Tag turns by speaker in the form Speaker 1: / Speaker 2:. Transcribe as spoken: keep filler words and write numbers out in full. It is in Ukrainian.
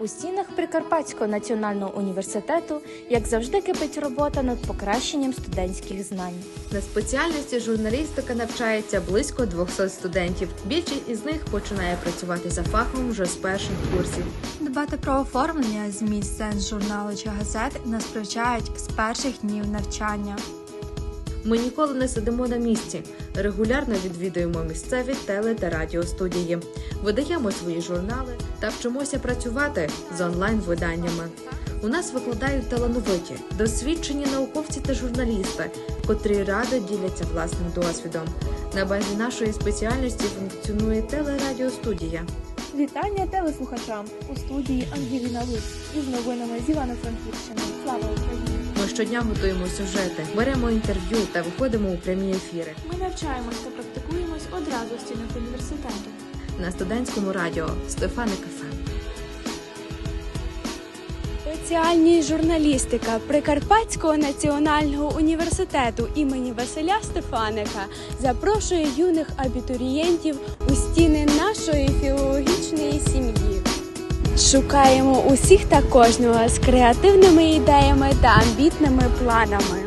Speaker 1: У стінах Прикарпатського національного університету, як завжди, кипить робота над покращенням студентських знань.
Speaker 2: На спеціальності журналістика навчається близько двохсот студентів. Більшість із них починає працювати за фахом вже з перших курсів.
Speaker 3: Дбати про оформлення, зміст, сенс журналу чи газет нас привчають з перших днів навчання.
Speaker 2: Ми ніколи не сидимо на місці. Регулярно відвідуємо місцеві теле- та радіостудії. Видаємо свої журнали та вчимося працювати з онлайн-виданнями. У нас викладають талановиті, досвідчені науковці та журналісти, котрі радо діляться власним досвідом. На базі нашої спеціальності функціонує телерадіостудія.
Speaker 4: Вітання телеслухачам! У студії Ангеліна Луц із новинами з Івано-Франківщини. Слава Україні!
Speaker 2: Ми щодня готуємо сюжети, беремо інтерв'ю та виходимо у прямі ефіри.
Speaker 4: Ми навчаємось та практикуємось одразу в стінах університету.
Speaker 2: На студентському радіо Стефаник еф ем.
Speaker 5: Спеціальність журналістика Прикарпатського національного університету імені Василя Стефаника запрошує юних абітурієнтів у стіни нашої філологічної сім'ї. Шукаємо усіх та кожного з креативними ідеями та амбітними планами.